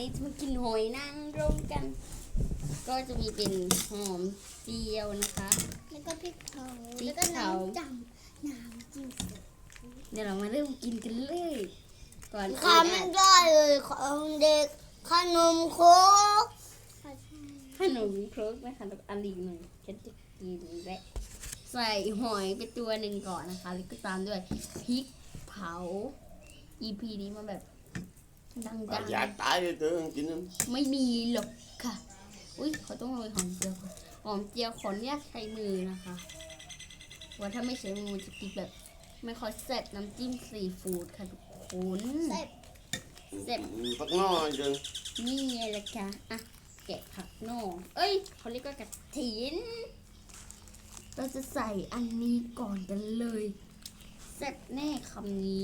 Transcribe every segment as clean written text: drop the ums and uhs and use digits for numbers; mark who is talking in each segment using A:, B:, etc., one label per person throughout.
A: นี้จะมากินหอยนางรมกัน ก็จะมีเป็นหอมเจียวนะคะ
B: แล้วก็พริกเผา
A: พริ
B: แล้ว
A: ก
B: ก็
A: เผา
B: น้ำจิ้ม
A: เดี๋ยวเรามาเริ่มกินกันเลยก่อน
B: ข้าไม่ได้เลยของเด็กขนมโค้ก
A: ขนมครกนะคะแล้วอันอีกหนึ่งฉันจะกินและใส่หอยไปตัวหนึ่งก่อนนะคะแล้วก็ตามด้วยพริกเผา EP นี้มาแบบดัง
C: อยากตายเลยเธอกินนั่น
A: ๆไม่มีหรอกค่ะอุ้ยเขาต้องโรยหอมเจียวก่อนหอมเจียวขออนุญาตใช้มือนะคะว่าถ้าไม่ใช้มือมันจะกินแบบไม่ค่อยแซ่บน้ำจิ้มซีฟู้ดค่ะทุกคน
B: เสร็จ
A: แซ่บ
C: พักน้อยจัง
A: นี่ไงล่ะคะอ่ะแกะผักนอกเอ้ยเขาเรียกว่ากระถินเราจะใส่อันนี้ก่อนกันเลยแซ่บแน่คำนี้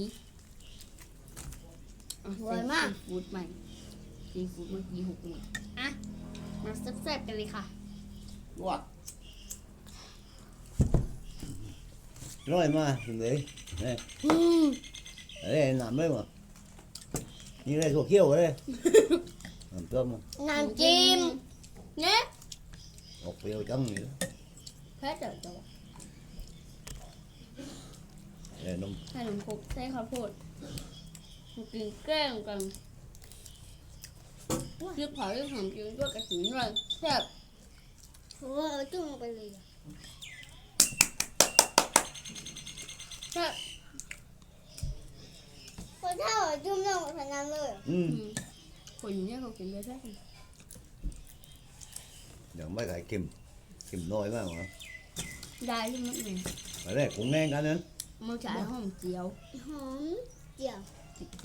A: อ่ะใส่ซีฟู้ดใหม่ซีฟู้ดเมื่อกี้หกหมดอ่ะมาแซ่บๆกันเลยค่ะ
C: วัด
D: Rồi mà, đấy, đây, đây làm đấy mà, như đây thuộc kiêu đây, làm cơm mà,
B: น้ำจิ้ม
A: เนี่ย
D: một kiêu chấm gì đó,
A: แพ้เดี๋ยวจะ
D: để nông,
A: ให้หนุ่มคุกใช้ข้าวโพดมากินแกล้งกันเรียกเผาเรียกหอมกินด้วยกระถิ่นเลยแซ่บ
B: โอ้เอาจุ่มลงไปเลยอะ
A: แซ่บ
B: คนเท่าเอาจุ่มลงไปนั้นเลย
A: คนเนี่ยเขากินได้แซ่บ
D: giờ mấy cái kim nồi mà,
A: ได้ใช่ไหมเนี่ย
D: ở đây cũng nên cả nên,
A: มาฉายหอมเจียว
B: หอมเจียว
A: ติดเขา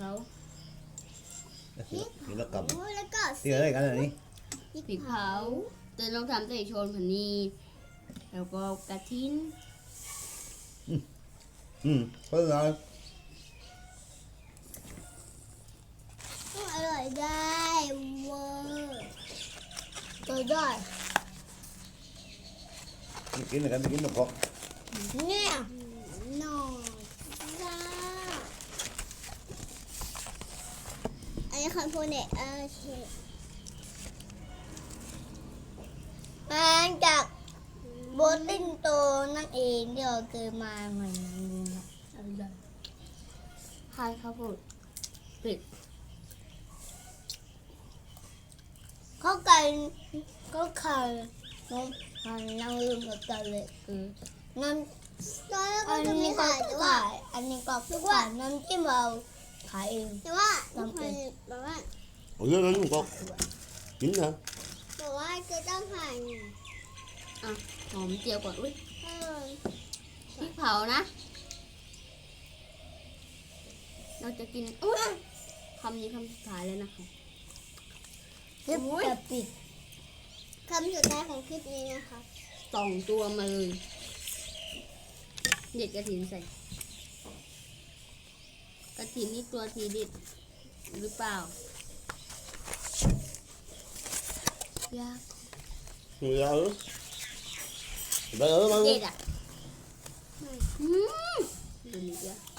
D: thì nó cầm,
B: โอ้แล้วก็
D: thì ở đây cả là đi,
A: พริกเผาเตือนต้องทำใส่โชนผันนีแล้วก็กระทิ้น
D: có rồi,
B: อร่อยได้เวอร์ก็ได้
D: cái này nó có,
B: เนี่ยหน่อยจ้าอันนี้คำพูดเนี่ยโอเคมาจากโบติ้งโตนั่นเองเดี๋ยวเกิดมาเหมือนนี้นะ
A: อะไรใช่ครับผมปิด
B: เขาไก่ก็ไข่น้องมันนั่งลืมกับกันเลยน้ำตอนแรกก็จะมีขายแต่ว่าอันนี้ก็คือว่าน้ำจิ้มเราขายเองแต่ว่ามันแบบว่า
C: ở dưới đó không có chín hả
B: แต่ว่าจะต้องหั่น
A: อ่ะหอมเจียวก่อนอุ้ย
B: เออ
A: พริกเผานะ เราจะกินอุ้ยคำนี้คำสุดท้ายเลยนะคะ
B: คลิปจะปิดคำสุดท้ายของคลิปนี้นะคะ
A: 2 ตัวมาเลยเด็ดกระถินใส่กระถินนี่ตัวทีเด็ดหรือเปล่ายาก
C: người ta ứ người ta ứ bao
A: เด็
C: nhiêu
A: ดอ่ะดูนี่เดียว